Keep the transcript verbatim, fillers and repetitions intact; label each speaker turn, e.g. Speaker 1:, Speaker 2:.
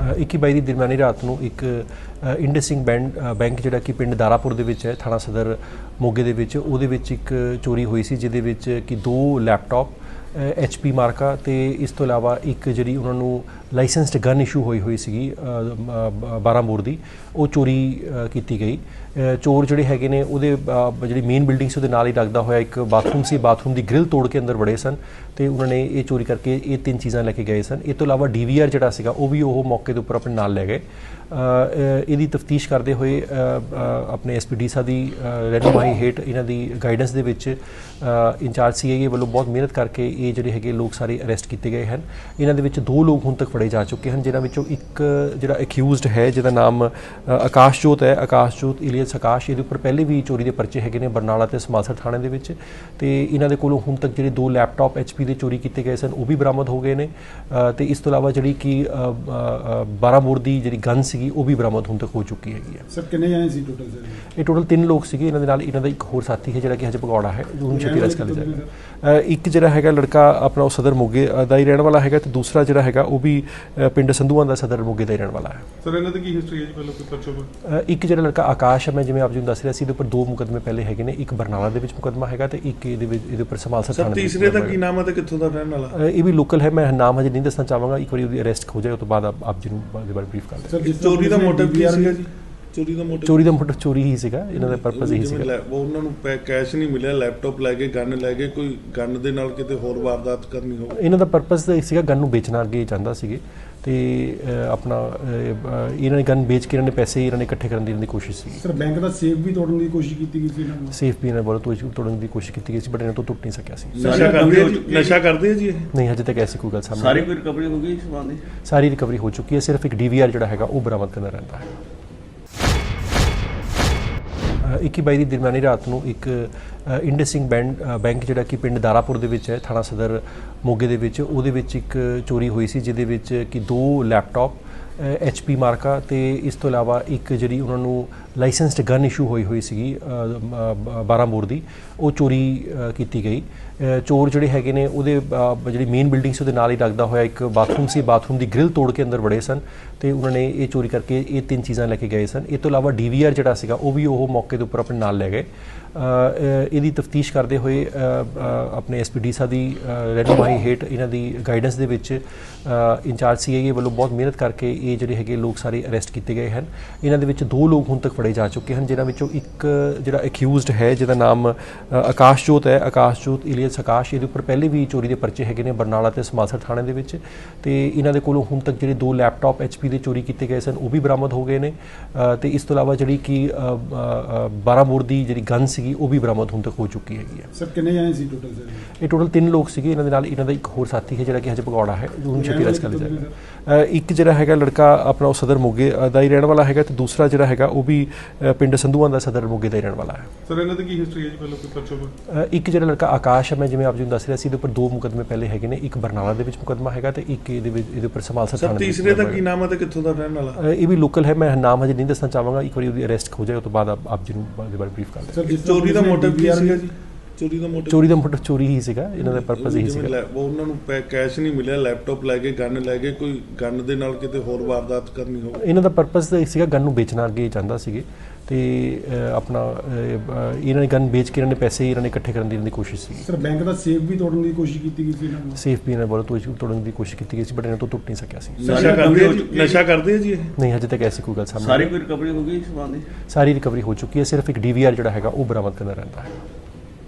Speaker 1: ਇੱਕੀ ਬਾਈ ਦੀ ਦਰਮਿਆਨੀ ਰਾਤ ਨੂੰ ਇੱਕ ਇੰਡਸਿੰਗ ਬੈਂਕ ਬੈਂਕ ਜਿਹੜਾ ਕਿ ਪਿੰਡ ਦਾਰਾਪੁਰ ਦੇ ਵਿੱਚ ਹੈ, ਥਾਣਾ ਸਦਰ ਮੋਗੇ ਦੇ ਵਿੱਚ, ਉਹਦੇ ਵਿੱਚ ਇੱਕ ਚੋਰੀ ਹੋਈ ਸੀ, ਜਿਹਦੇ ਵਿੱਚ ਕਿ ਦੋ ਲੈਪਟਾਪ ਐਚ ਪੀ ਮਾਰਕਾ ਅਤੇ ਇਸ ਤੋਂ ਇਲਾਵਾ ਇੱਕ ਜਿਹੜੀ ਉਹਨਾਂ ਨੂੰ ਲਾਇਸੈਂਸਡ ਗਨ ਇਸ਼ੂ ਹੋਈ ਹੋਈ ਸੀਗੀ ਬਾਰਾਂ ਬੋਰ ਦੀ, ਉਹ ਚੋਰੀ ਕੀਤੀ ਗਈ। ਚੋਰ ਜਿਹੜੇ ਹੈਗੇ ਨੇ ਉਹਦੇ ਜਿਹੜੀ ਮੇਨ ਬਿਲਡਿੰਗ ਸੀ ਉਹਦੇ ਨਾਲ ਹੀ ਲੱਗਦਾ ਹੋਇਆ ਇੱਕ ਬਾਥਰੂਮ ਸੀ, ਬਾਥਰੂਮ ਦੀ ਗ੍ਰਿਲ ਤੋੜ ਕੇ ਅੰਦਰ ਵੜੇ ਸਨ ਅਤੇ ਉਹਨਾਂ ਨੇ ਇਹ ਚੋਰੀ ਕਰਕੇ ਇਹ ਤਿੰਨ ਚੀਜ਼ਾਂ ਲੈ ਕੇ ਗਏ ਸਨ। ਇਹ ਤੋਂ ਇਲਾਵਾ ਡੀ ਵੀ ਆਰ ਜਿਹੜਾ ਸੀਗਾ ਉਹ ਵੀ ਉਹ ਮੌਕੇ ਦੇ ਉੱਪਰ ਆਪਣੇ ਨਾਲ ਲੈ ਗਏ। ਇਹਦੀ ਤਫਤੀਸ਼ ਕਰਦੇ ਹੋਏ ਆਪਣੇ ਐਸ ਪੀ ਡੀ ਸਾਹਿਬ ਦੀ ਰਹਿਨੁਮਾਈ ਹੇਠ ਇਹਨਾਂ ਦੀ ਗਾਈਡੈਂਸ ਦੇ ਵਿੱਚ ਇੰਚਾਰਜ ਸੀ ਆਈ ਏ ਵੱਲੋਂ ਬਹੁਤ ਮਿਹਨਤ ਕਰਕੇ ਇਹ ਜਿਹੜੇ ਹੈਗੇ ਲੋਕ ਸਾਰੇ ਅਰੈਸਟ ਕੀਤੇ ਗਏ ਹਨ। ਇਹਨਾਂ ਦੇ ਵਿੱਚ ਦੋ ਲੋਕ ਹੁਣ ਤੱਕ ਫੜੇ ਜਾ ਚੁੱਕੇ ਹਨ, ਜਿਨ੍ਹਾਂ ਵਿੱਚੋਂ ਇੱਕ ਜਿਹੜਾ ਅਕਿਊਜ਼ਡ ਹੈ ਜਿਹਦਾ ਨਾਮ ਆਕਾਸ਼ਜੋਤ ਹੈ, ਆਕਾਸ਼ਜੋਤ ਇਲੀਅਸ ਆਕਾਸ਼, ਇਹਦੇ ਉੱਪਰ ਪਹਿਲੇ ਵੀ ਚੋਰੀ ਦੇ ਪਰਚੇ ਹੈਗੇ ਨੇ ਬਰਨਾਲਾ ਅਤੇ ਸਮਾਸਰ ਥਾਣੇ ਦੇ ਵਿੱਚ। ਅਤੇ ਇਹਨਾਂ ਦੇ ਕੋਲੋਂ ਹੁਣ ਤੱਕ ਜਿਹੜੇ ਦੋ ਲੈਪਟਾਪ ਐਚ ਪੀ ਦੇ ਚੋਰੀ ਕੀਤੇ ਗਏ ਸਨ ਉਹ ਵੀ ਬਰਾਮਦ ਹੋ ਗਏ ਨੇ। ਅਤੇ ਇਸ ਤੋਂ ਇਲਾਵਾ ਜਿਹੜੀ ਕਿ ਬਾਰਾਂ ਬੋਰ ਦੀ ਜਿਹੜੀ ਗਨ ਸੀ ਉਹ ਵੀ ਬਰਾਮਦ ਹੁਣ ਤੱਕ ਹੋ ਚੁੱਕੀ ਹੈਗੀ ਹੈ।
Speaker 2: ਸਰ ਕਿੰਨੇ ਜਾਣੇ ਸੀ ਟੋਟਲ? ਸਰ
Speaker 1: ਇਹ ਟੋਟਲ ਤਿੰਨ ਲੋਕ ਸੀਗੇ। ਇਹਨਾਂ ਦੇ ਨਾਲ ਇਹਨਾਂ ਦਾ ਇੱਕ ਹੋਰ ਸਾਥੀ ਹੈ ਜਿਹੜਾ ਕਿ ਹਜੇ ਭਗੌੜਾ ਹੈ, ਉਹਨੂੰ ਛੇਤੀ ਅਰੈਸਟ ਕਰ ਲਿਆ ਜਾਏਗਾ। ਇੱਕ ਜਿਹੜਾ ਹੈਗਾ ਲੜਕਾ ਆਪਣਾ ਉਹ ਸਦਰ ਮੋਗੇ ਦਾ ਹੀ ਰਹਿਣ ਵਾਲਾ ਹੈਗਾ, ਤੇ ਦੂਸਰਾ ਜਿਹੜਾ ਹੈਗਾ ਉਹ ਵੀ ਪਿੰਡ ਸੰਧੂਆਂ ਦਾ ਸਦਰ ਮੋਗੇ ਦਾ ਹੀ ਰਹਿਣ ਵਾਲਾ ਹੈ।
Speaker 2: ਸਰ ਇਹਨਾਂ ਦੀ ਕੀ ਹਿਸਟਰੀ ਹੈ ਜੀ ਪਹਿਲਾਂ ਕੋਈ ਪਰਚਾ?
Speaker 1: ਇੱਕ ਜਿਹੜਾ ਲੜਕਾ ਆਕਾਸ਼ ਹੈ, ਮੈਂ ਜਿਵੇਂ ਆਪ ਜੀ ਨੂੰ ਦੱਸ ਰਿਹਾ ਸੀ, ਇਹਦੇ ਉੱਪਰ ਦੋ ਮੁਕੱਦਮੇ ਪਹਿਲੇ ਹੈਗੇ ਨੇ, ਇੱਕ ਬਰਨਾਲਾ ਦੇ ਵਿੱਚ ਮੁਕੱਦਮਾ ਹੈਗਾ ਤੇ ਇੱਕ ਇਹਦੇ ਵਿੱਚ ਇਹਦੇ ਉੱਪਰ ਸਮਾਲਸਰ ਥਾਣੇ ਦੇ ਵਿੱਚ।
Speaker 2: ਤੀਸਰੇ ਦਾ ਕੀ ਨਾਮ ਹੈ ਤੇ ਕਿੱਥੋਂ ਦਾ ਰਹਿਣ ਵਾਲਾ?
Speaker 1: ਇਹ ਵੀ ਲੋਕਲ ਹੈ, ਮੈਂ ਨਾਮ ਹਜੇ ਨਹੀਂ ਦੱਸਣਾ ਚਾਹਾਂਗਾ, ਇੱਕ ਵਾਰੀ ਉਹਦੀ ਅਰੈਸਟ ਹੋ ਜਾਏ ਉਸ ਤੋਂ ਬਾਅਦ ਆਪ ਜੀ ਨੂੰ ਇਹਦੇ ਬਾਰੇ ਬਰੀਫ ਕਰ ਦਿੰਦੇ।
Speaker 2: ਚੋਰੀ ਦਾ ਮੋਟਿਵ ਕੀ ਸੀਗਾ ਜੀ? ਚੋਰੀ ਦਾ ਮੋਟਿਵ
Speaker 1: ਚੋਰੀ ਦਾ ਮੋਟਿਵ ਚੋਰੀ ਹੀ ਸੀਗਾ, ਇਹਨਾਂ ਦਾ ਪਰਪਸ ਇਹੀ ਸੀਗਾ।
Speaker 2: ਉਹ ਉਹਨਾਂ ਨੂੰ ਕੈਸ਼ ਨਹੀਂ ਮਿਲਿਆ, ਲੈਪਟਾਪ ਲੈ ਕੇ ਗਨ ਲੈ ਕੇ ਕੋਈ ਗਨ ਦੇ ਨਾਲ ਕਿਤੇ ਹੋਰ ਵਾਰਦਾਤ ਕਰਨੀ ਹੋਵੇ।
Speaker 1: ਇਹਨਾਂ ਦਾ ਪਰਪਸ ਸੀਗਾ ਗਨ ਨੂੰ ਵੇਚਣਾ ਅੱਗੇ ਚਾਹੁੰਦਾ ਸੀਗੇ, ਤੇ ਆਪਣਾ ਇਹਨਾਂ ਨੇ ਗਨ ਵੇਚ ਕੇ ਇਹਨਾਂ ਨੇ ਪੈਸੇ ਇਹਨਾਂ ਨੇ ਇਕੱਠੇ ਕਰਨ ਦੀ ਇਹਨਾਂ ਦੀ ਕੋਸ਼ਿਸ਼ ਸੀ।
Speaker 2: ਸਰ ਬੈਂਕ ਦਾ ਸੇਫ ਵੀ ਤੋੜਨ ਦੀ ਕੋਸ਼ਿਸ਼ ਕੀਤੀ ਗਈ ਸੀ ਇਹਨਾਂ ਨੇ?
Speaker 1: ਸੇਫ ਵੀ ਇਹਨਾਂ ਵੱਲੋਂ ਤੋੜਨ ਦੀ ਕੋਸ਼ਿਸ਼ ਕੀਤੀ ਗਈ ਸੀ, ਬਟ ਇਹਨਾਂ ਤੋਂ ਟੁੱਟ ਨਹੀਂ ਸਕਿਆ ਸੀ।
Speaker 2: ਨਸ਼ਾ ਕਰਦੇ ਨਸ਼ਾ ਕਰਦੇ ਜੀ ਇਹ?
Speaker 1: ਨਹੀਂ, ਹਜੇ ਤੱਕ ਐਸੀ ਕੋਈ ਗੱਲ ਸਾਹਮਣੇ।
Speaker 3: ਸਾਰੀ ਕੋਈ ਰਿਕਵਰੀ ਹੋ ਗਈ ਇਸ ਸਮਾਨ ਦੀ?
Speaker 1: ਸਾਰੀ ਰਿਕਵਰੀ ਹੋ ਚੁੱਕੀ ਹੈ, ਸਿਰਫ ਇੱਕ ਡੀ ਵੀ ਆਰ ਜਿਹੜਾ ਹੈਗਾ ਉਹ ਬਰਾਮਦ ਕਰਨਾ ਰਹਿੰਦਾ ਹੈ। ਇੱਕੀ ਬਾਈ ਦੀ ਦਰਮਿਆਨੀ ਰਾਤ ਨੂੰ ਇੱਕ ਇੰਡਸਿੰਗ ਬੈਂਕ ਬੈਂਕ ਜਿਹੜਾ ਕਿ ਪਿੰਡ ਦਾਰਾਪੁਰ ਦੇ ਵਿੱਚ ਹੈ, ਥਾਣਾ ਸਦਰ ਮੋਗੇ ਦੇ ਵਿੱਚ, ਉਹਦੇ ਵਿੱਚ ਇੱਕ ਚੋਰੀ ਹੋਈ ਸੀ, ਜਿਹਦੇ ਵਿੱਚ ਕਿ ਦੋ ਲੈਪਟਾਪ ਐਚ ਪੀ ਮਾਰਕਾ ਅਤੇ ਇਸ ਤੋਂ ਇਲਾਵਾ ਇੱਕ ਜਿਹੜੀ ਉਹਨਾਂ ਨੂੰ ਲਾਇਸੈਂਸਡ ਗਨ ਇਸ਼ੂ ਹੋਈ ਹੋਈ ਸੀਗੀ ਬਾਰਾਂ ਬੋਰ ਦੀ, ਉਹ ਚੋਰੀ ਕੀਤੀ ਗਈ। ਚੋਰ ਜਿਹੜੇ ਹੈਗੇ ਨੇ ਉਹਦੇ ਜਿਹੜੀ ਮੇਨ ਬਿਲਡਿੰਗ ਸੀ ਉਹਦੇ ਨਾਲ ਹੀ ਲੱਗਦਾ ਹੋਇਆ ਇੱਕ ਬਾਥਰੂਮ ਸੀ, ਬਾਥਰੂਮ ਦੀ ਗ੍ਰਿਲ ਤੋੜ ਕੇ ਅੰਦਰ ਵੜੇ ਸਨ ਅਤੇ ਉਹਨਾਂ ਨੇ ਇਹ ਚੋਰੀ ਕਰਕੇ ਇਹ ਤਿੰਨ ਚੀਜ਼ਾਂ ਲੈ ਕੇ ਗਏ ਸਨ। ਇਹ ਤੋਂ ਇਲਾਵਾ ਡੀ ਵੀ ਆਰ ਜਿਹੜਾ ਸੀਗਾ ਉਹ ਵੀ ਉਹ ਮੌਕੇ ਦੇ ਉੱਪਰ ਆਪਣੇ ਨਾਲ ਲੈ ਗਏ। ਇਹਦੀ ਤਫਤੀਸ਼ ਕਰਦੇ ਹੋਏ ਆਪਣੇ ਐਸ ਪੀ ਡੀ ਸਾਹਿਬ ਦੀ ਰਹਿਨੁਮਾਈ ਹੇਠ ਇਹਨਾਂ ਦੀ ਗਾਈਡੈਂਸ ਦੇ ਵਿੱਚ ਇੰਚਾਰਜ ਸੀ ਆਈ ਏ ਵੱਲੋਂ ਬਹੁਤ ਮਿਹਨਤ ਕਰਕੇ ਇਹ ਜਿਹੜੇ ਹੈਗੇ ਲੋਕ ਸਾਰੇ ਅਰੈਸਟ ਕੀਤੇ ਗਏ ਹਨ। ਇਹਨਾਂ ਦੇ ਵਿੱਚ ਦੋ ਲੋਕ ਹੁਣ ਤੱਕ ਫੜੇ ਜਾ ਚੁੱਕੇ ਹਨ, ਜਿਨ੍ਹਾਂ ਵਿੱਚੋਂ ਇੱਕ ਜਿਹੜਾ ਅਕਿਊਜ਼ਡ ਹੈ ਜਿਹਦਾ ਨਾਮ ਆਕਾਸ਼ਜੋਤ ਹੈ, ਆਕਾਸ਼ਜੋਤ ਇਲੀਅਸ ਆਕਾਸ਼, ਇਹਦੇ ਉੱਪਰ ਪਹਿਲੇ ਵੀ ਚੋਰੀ ਦੇ ਪਰਚੇ ਹੈਗੇ ਨੇ ਬਰਨਾਲਾ ਅਤੇ ਸਮਾਸਰ ਥਾਣੇ ਦੇ ਵਿੱਚ। ਅਤੇ ਇਹਨਾਂ ਦੇ ਕੋਲੋਂ ਹੁਣ ਤੱਕ ਜਿਹੜੇ ਦੋ ਲੈਪਟਾਪ ਐਚ ਪੀ ਦੇ ਚੋਰੀ ਕੀਤੇ ਗਏ ਸਨ ਉਹ ਵੀ ਬਰਾਮਦ ਹੋ ਗਏ ਨੇ। ਅਤੇ ਇਸ ਤੋਂ ਇਲਾਵਾ ਜਿਹੜੀ ਕਿ ਬਾਰਾਂ ਬੋਰ ਦੀ ਜਿਹੜੀ ਗਨ ਸੀਗੀ ਉਹ ਵੀ ਬਰਾਮਦ ਹੁਣ ਤੱਕ ਹੋ ਚੁੱਕੀ ਹੈਗੀ ਹੈ।
Speaker 2: ਸਰ ਕਿੰਨੇ ਜਾਣੇ ਸੀ ਟੋਟਲ? ਸਰ
Speaker 1: ਇਹ ਟੋਟਲ ਤਿੰਨ ਲੋਕ ਸੀਗੇ। ਇਹਨਾਂ ਦੇ ਨਾਲ ਇਹਨਾਂ ਦਾ ਇੱਕ ਹੋਰ ਸਾਥੀ ਹੈ ਜਿਹੜਾ ਕਿ ਹਜੇ ਭਗੌੜਾ ਹੈ, ਉਹਨੂੰ ਛੇਤੀ ਅਰੈਸਟ ਕਰ ਲਿਆ ਜਾਏਗਾ। ਇੱਕ ਜਿਹੜਾ ਹੈਗਾ ਲੜਕਾ ਆਪਣਾ ਉਹ ਸਦਰ ਮੋਗੇ ਦਾ ਹੀ ਰਹਿਣ ਵਾਲਾ ਹੈਗਾ, ਤੇ ਦੂਸਰਾ ਜਿਹੜਾ ਹੈਗਾ ਉਹ ਵੀ ਪਿੰਡ ਸੰਧੂਆਂ ਦਾ ਸਦਰ ਮੋਗੇ ਦਾ ਹੀ ਰਹਿਣ ਵਾਲਾ ਹੈ।
Speaker 2: ਸਰ ਇਹਨਾਂ ਦੀ ਕੀ ਹਿਸਟਰੀ ਹੈ ਜੀ ਪਹਿਲਾਂ ਕੋਈ ਪਰਚਾ?
Speaker 1: ਇੱਕ ਜਿਹੜਾ ਲੜਕਾ ਆਕਾਸ਼ ਹੈ, ਮੈਂ ਜਿਵੇਂ ਆਪ ਜੀ ਨੂੰ ਦੱਸ ਰਿਹਾ ਸੀ, ਇਹਦੇ ਉੱਪਰ ਦੋ ਮੁਕੱਦਮੇ ਪਹਿਲੇ ਹੈਗੇ ਨੇ, ਇੱਕ ਬਰਨਾਲਾ ਦੇ ਵਿੱਚ ਮੁਕੱਦਮਾ ਹੈਗਾ ਤੇ ਇੱਕ ਇਹਦੇ ਵਿੱਚ ਇਹਦੇ ਉੱਪਰ ਸਮਾਲਸਰ ਥਾਣੇ ਦੇ ਵਿੱਚ।
Speaker 2: ਤੀਸਰੇ ਦਾ ਕੀ ਨਾਮ ਹੈ ਤੇ ਕਿੱਥੋਂ ਦਾ ਰਹਿਣ ਵਾਲਾ?
Speaker 1: ਇਹ ਵੀ ਲੋਕਲ ਹੈ, ਮੈਂ ਨਾਮ ਹਜੇ ਨਹੀਂ ਦੱਸਣਾ ਚਾਹਾਂਗਾ, ਇੱਕ ਵਾਰੀ ਉਹਦੀ ਅਰੈਸਟ ਹੋ ਜਾਏ ਉਸ ਤੋਂ ਬਾਅਦ ਆਪ ਜੀ ਨੂੰ ਇਹਦੇ ਬਾਰੇ ਬਰੀਫ ਕਰ ਦਿੰਦੇ।
Speaker 2: ਚੋਰੀ ਦਾ ਮੋਟਿਵ ਕੀ ਸੀਗਾ ਜੀ? ਚੋਰੀ ਦਾ ਮੋਟਿਵ
Speaker 1: ਚੋਰੀ ਦਾ ਮੋਟਿਵ ਚੋਰੀ ਹੀ ਸੀਗਾ, ਇਹਨਾਂ ਦਾ ਪਰਪਸ ਇਹੀ ਸੀਗਾ।
Speaker 2: ਉਹ ਉਹਨਾਂ ਨੂੰ ਕੈਸ਼ ਨਹੀਂ ਮਿਲਿਆ, ਲੈਪਟਾਪ ਲੈ ਕੇ ਗਨ ਲੈ ਕੇ ਕੋਈ ਗਨ ਦੇ ਨਾਲ ਕਿਤੇ ਹੋਰ ਵਾਰਦਾਤ ਕਰਨੀ ਹੋਵੇ।
Speaker 1: ਇਹਨਾਂ ਦਾ ਪਰਪਸ ਸੀਗਾ ਗਨ ਨੂੰ ਵੇਚਣਾ ਅੱਗੇ ਚਾਹੁੰਦਾ ਸੀਗੇ, ਤੇ ਆਪਣਾ ਇਹਨਾਂ ਨੇ ਗਨ ਵੇਚ ਕੇ ਇਹਨਾਂ ਨੇ ਪੈਸੇ ਇਹਨਾਂ ਨੇ ਇਕੱਠੇ ਕਰਨ ਦੀ ਇਹਨਾਂ ਦੀ ਕੋਸ਼ਿਸ਼ ਸੀ।
Speaker 2: ਸਰ ਬੈਂਕ ਦਾ ਸੇਫ ਵੀ ਤੋੜਨ ਦੀ ਕੋਸ਼ਿਸ਼ ਕੀਤੀ ਗਈ ਸੀ ਇਹਨਾਂ ਨੇ?
Speaker 1: ਸੇਫ ਵੀ ਇਹਨਾਂ ਵੱਲੋਂ ਤੋੜਨ ਦੀ ਕੋਸ਼ਿਸ਼ ਕੀਤੀ ਗਈ ਸੀ, ਬਟ ਇਹਨਾਂ ਤੋਂ ਟੁੱਟ ਨਹੀਂ ਸਕਿਆ ਸੀ।
Speaker 2: ਨਸ਼ਾ ਕਰਦੇ ਨਸ਼ਾ ਕਰਦੇ ਜੀ ਇਹ?
Speaker 1: ਨਹੀਂ, ਹਜੇ ਤੱਕ ਐਸੀ ਕੋਈ ਗੱਲ ਸਾਹਮਣੇ।
Speaker 3: ਸਾਰੀ ਕੋਈ ਰਿਕਵਰੀ ਹੋ ਗਈ ਇਸ ਸਮਾਨ ਦੀ?
Speaker 1: ਸਾਰੀ ਰਿਕਵਰੀ ਹੋ ਚੁੱਕੀ ਹੈ, ਸਿਰਫ ਇੱਕ ਡੀ ਵੀ ਆਰ ਜਿਹੜਾ ਹੈਗਾ ਉਹ ਬਰਾਮਦ ਕਰਨਾ ਰਹਿੰਦਾ ਹੈ।